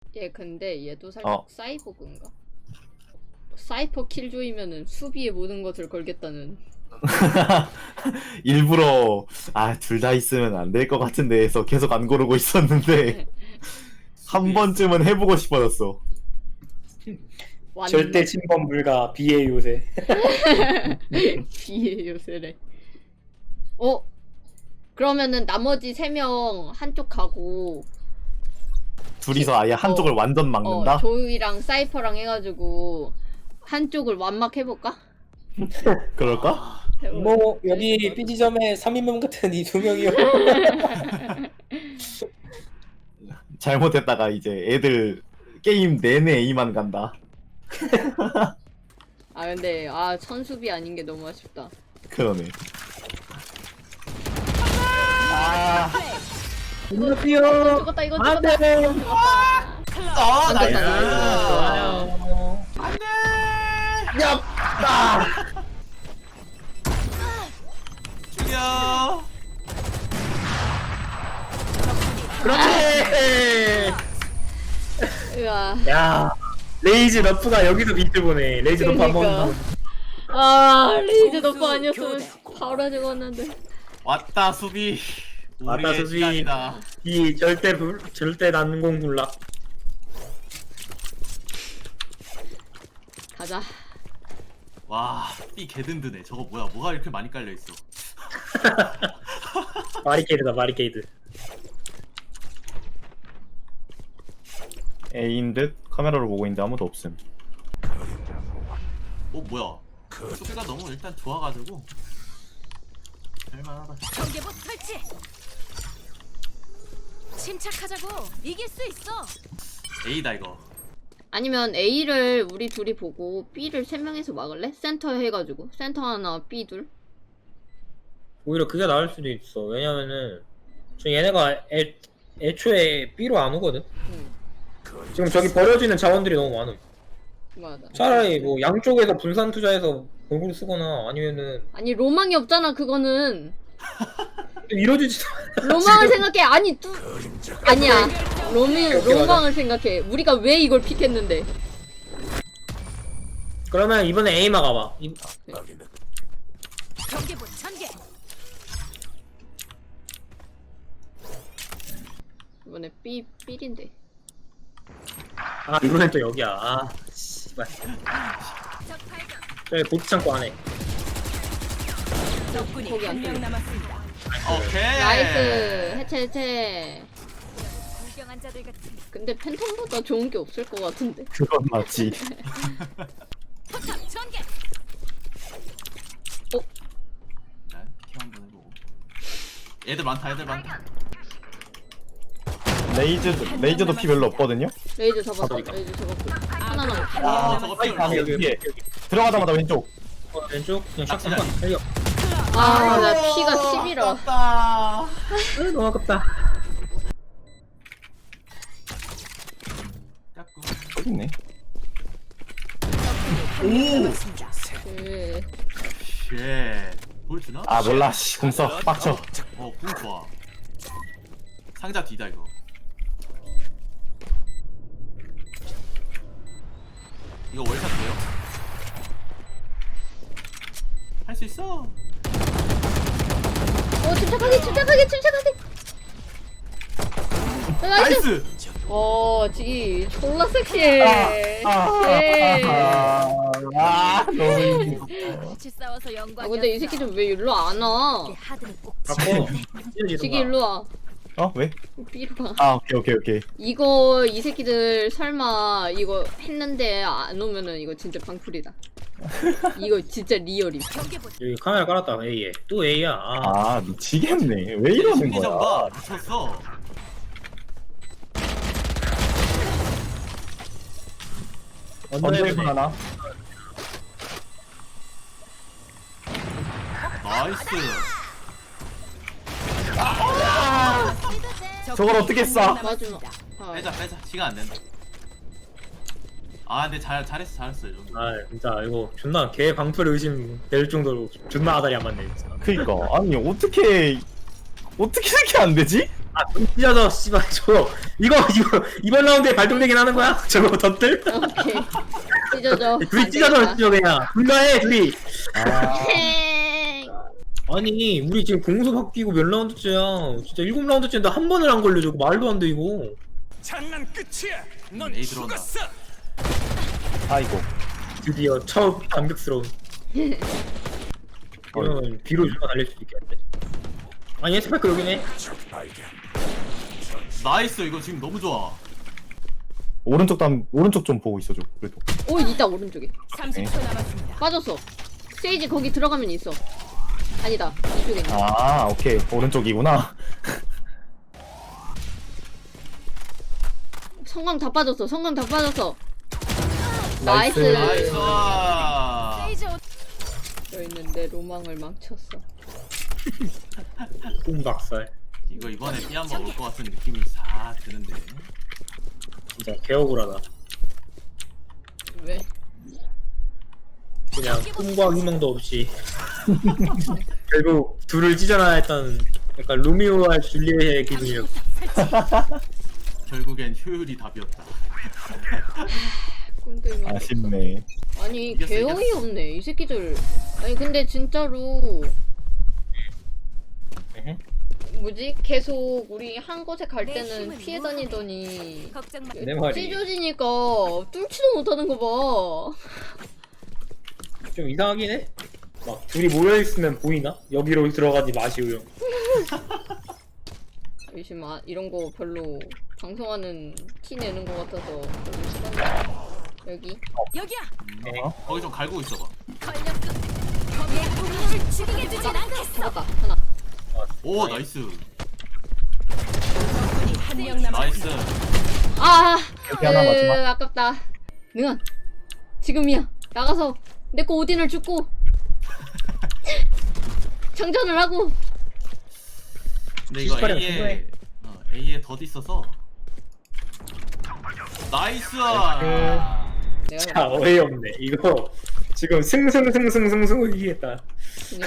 얘 근데 얘도 살짝 어. 사이버그인가? 사이퍼 킬조이면은 수비에 모든 것을 걸겠다는. 일부러 둘 다 있으면 안 될 것 같은데 해서 계속 안 고르고 있었는데 한 번쯤은 해보고 싶어졌어. 절대 침범 불가 비의 요새. 비의 요새래. 어? 그러면은 나머지 3명 한쪽 가고 둘이서 아예 한쪽을 완전 막는다? 조이랑 사이퍼랑 해가지고 한쪽을 완막해볼까? 그럴까? 뭐 여기 B 지점에 3인명 같은 이 2명이요. 잘못했다가 이제 애들 게임 내내 A만 간다. 아 근데 천수비 아닌 게 너무 아쉽다. 그러네. 안녕하세요. 죽었다 이거 안 죽었다. 돼. 안 됐다 나이스. 안돼. 야. 죽여. 그렇지. 으아. 야. 레이즈 너프가 여기서 비트 보네. 레이즈 너프 한 번. 레이즈 너프 아니었으면 바로 죽었는데. 왔다 수비. 왔다, 우리의 수비. 시간이다. 이 절대 난공 불락. 가자. 와, 삐 개든든해. 저거 뭐가 이렇게 많이 깔려 있어. 바리케이드다 바리케이드. A인 듯 카메라로 보고 있는데 아무도 없음. 뭐야? 수비가 너무 일단 좋아가지고 할만하다. 경계복 설치. 침착하자고. 이길 수 있어. A다 이거. 아니면 A를 우리 둘이 보고 B를 3명에서 막을래? 센터 해가지고 센터 하나 B 둘. 오히려 그게 나을 수도 있어. 왜냐면은 지금 얘네가 애초에 B로 안 오거든. 지금 저기 버려지는 자원들이 너무 많음. 맞아. 차라리 뭐 양쪽에서 분산 투자해서 골고루 쓰거나 아니면은 아니 로망이 없잖아 그거는. 이뤄지지도 로망을 생각해. 아니야. 오케이, 로망을 생각해. 우리가 왜 이걸 픽했는데? 그러면 이번에 A 막아봐. 경계복 전개. 이번에 B인데. 이번엔 또 여기야. 씨발. 적 발견. 저기 보트 창고 안에. 적군이 거기 안 한 명 뚫려. 남았습니다. 오케이. 나이스. 해체. 불경한 자들 같은. 근데 팬텀보다 좋은 게 없을 것 같은데. 그건 맞지. 포탑 전개. 난 키 한번 해보고. 애들 많다. 레이저도 피 별로 없거든요. 레이즈 잡았어. 잡으니까. 레이즈 잡았고. 하나 남았어. 아, 저거 피 아니 얼마? 여기 들어가자마자 왼쪽. 왼쪽 그냥 샥 아, 한번 달려. 나 피가 10이라. 아깝다. 너무 아깝다. 짝꿍. 저기 있네. 그 쉣. 보여주나? 몰라. 궁써 빡쳐. 궁 좋아. 상자 뒤다 이거. 이거 월샷 돼요? 할 수 있어. 침착하게. 나이스. 나이스. 지기 졸라 섹시해. 너무 힘들어. 같이 싸워서 영광이었어. 근데 이 새끼 좀 왜 일로 안 와? 하드는 꼭 갖고 지기 일로 와. 왜? B로 가. 오케이. 이거 이 새끼들 설마 이거 했는데 안 오면은 이거 진짜 방풀이다. 이거 진짜 리얼임. 경계복. 여기 카메라 깔았다. A에 또 A야. 미치겠네. 왜 이러는 심리전 거야? 봐. 미쳤어. 언제군 하나? 나이스. 저걸 어떻게 쏴? 마지막. 빼자. 시간 안 된다. 근데 잘했어 이 정도. 진짜 이거 존나 개 방풀 의심 될 정도로 존나 아다리 안 맞네 진짜. 그니까 아니 어떻게 어떻게 이렇게 안 되지? 아, 눈 찢어져, 씨발, 저거. 이거, 이번 라운드에 발동되긴 하는 거야? 저거 덧들? 오케이. 찢어져. 둘이 안 찢어져, 되겠다. 찢어, 그냥. 불가해, 둘이. 아, 행. 아니, 우리 지금 공수 바뀌고 몇 라운드째야. 진짜 7라운드째인데 한 번을 안 걸려, 저거. 말도 안 돼, 이거. 장난 끝이야. 넌 에이, 들어온다. 죽었어. 아이고. 드디어 첫 감격스러운. 이러면 뒤로 좀 달릴 수도 있겠는데. 아니, 스파이크 여기네. 나이스 이거 지금 너무 좋아. 오른쪽 좀 보고 있어줘. 그래도. 오 있다 오른쪽에. 30초 남았습니다. 빠졌어. 세이지 거기 들어가면 있어. 아니다 이쪽에 있네. 아, 오케이. 오른쪽이구나. 성광 다 빠졌어. 성광 다 빠졌어. 나이스. 나이스. 나이스. 세이지 옷 여 있는데 로망을 망쳤어. 똥박살. 이거 이번에 피 한번 올 것 같은 느낌이 싹 드는데. 진짜 개억울하다. 왜? 그냥 꿈과 희망도 없이 결국 둘을 찢어놔야 했던 약간 로미오와 줄리엣의 기분이었어. 결국엔 효율이 답이었다. 꼰대면 아쉽네. 아니 이겼어, 개어이 이겼어. 없네 이 새끼들. 아니 근데 진짜로 뭐지? 계속 우리 한 곳에 갈 내 때는 힘은 피해 무한하네. 다니더니 걱정 마. 내 말이 찢어지니까 뚫지도 못하는 거 봐. 좀 이상하긴 해. 막 둘이 모여있으면 보이나? 여기로 들어가지 마시오요. 요즘 이런 거 별로 방송하는 티 내는 거 같아서 별로 싫어하는 여기 여기야. 거기 좀 갈고 있어봐. 권력급. 거기에 우리를 죽이게 두진 않겠어. 잡았다 하나. 오 나이스. 적군이 한명 나이스. 남았습니다. 아 여기 하나 마지막. 아깝다. 능한 지금이야. 나가서 내 거 오딘을 죽고 장전을 하고. 근데 이거 시스파랑 A에 A에 덧 있어서. 나이스. 내가 자, 어이없네. 이거 지금 승승승승승승 이기겠다. 그니까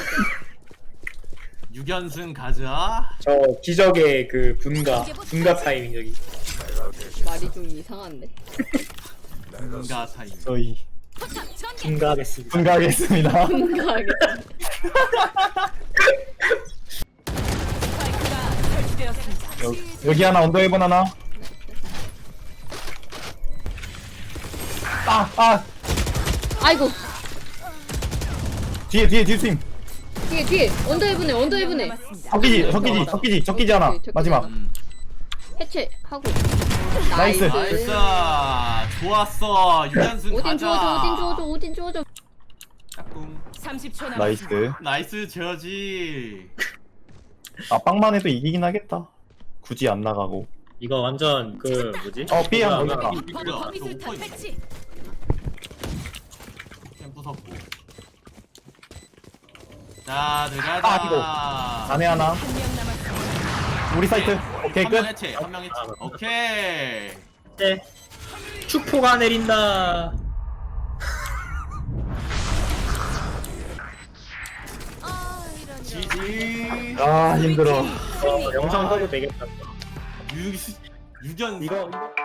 6연승 가자. 저 기적의 그 분가 타이밍 여기. 말이 좀 이상한데. 분가 타임. 저희 포탑 전개. 분가하겠습니다. 분가하겠습니다. 분가하겠다. 스파이크가 설치되었습니다. 여기 하나, 언더헤븐 하나. 아! 아이고 뒤에 팀. 뒤에 언더헤븐에 적기지 하나. 오케이, 적기지 마지막. 하나. 해체하고 나이스. 나이스. 좋았어. 6연승 오딘 가자. 주워줘 오딘 주워줘. 짝꿍. 30초 남았습니다. 나이스. 나이스 저지. 아, 빵만 해도 이기긴 하겠다. 굳이 안 나가고. 이거 완전 그 뭐지? 삐 한 뭐야, 번. 뭐야, 범위술탄 저 배치. 캠 부쉈고. 자 들어가자. 아이고. 안에 하나. 한명 남았습니다. 우리 사이트. 오케이, 끝. 한명 해체. 한명 해체. 오케이. 네. 축포가 내린다. 아 이런. 지지. 아, 힘들어. 영상 써도 되겠다. 6연승. 이거